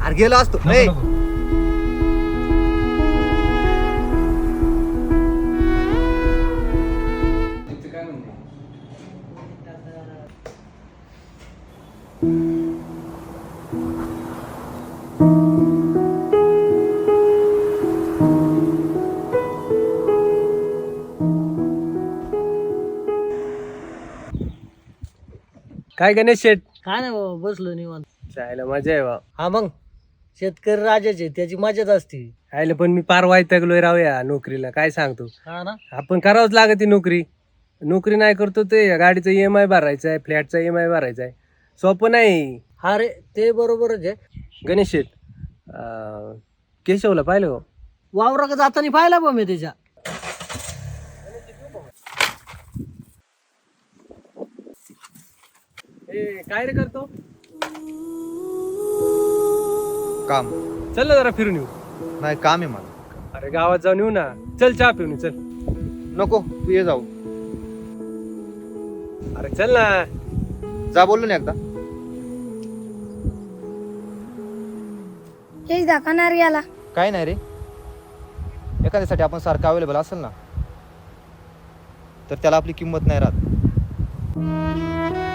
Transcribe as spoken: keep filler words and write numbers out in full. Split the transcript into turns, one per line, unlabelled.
अरे गेलो असतो.
नको,
ए,
नको.
काय गणेश शेठ
काय नाही बाबा, बसलो निवांत.
जायला मजा आहे बा.
हा मग शेतकरी राजाचे त्याची मजाच असते.
आयला पण मी पार वैतागलोय राहूया नोकरीला. काय सांगतो,
हा ना.
आपण करावंच लागत ती नोकरी. नोकरी नाही करतो ते गाडीचा ई एम आय भरायचा आहे, फ्लॅटचा ई एम आय भरायचा आहे. सोपं नाही.
हा रे, ते बरोबरच आहे.
गणेश शेठ अं, केशवला पाहिलं हो.
वावरा जाताना पाहिला बा मी त्याच्या.
ए, काय रे करतो?
काम
चल ना जरा फिरून येऊ.
नाही, काम आहे मला.
अरे गावात जाऊन येऊ ना. चल चहा पिऊन येऊ, चल.
नको, तू ये जाऊ.
अरे चल ना.
जा बोललो ना एकदा.
हेच दाखवणार याला.
काय नाही रे, एखाद्यासाठी आपण सारखं अवेलेबल असेल ना तर त्याला आपली किंमत नाही राहत.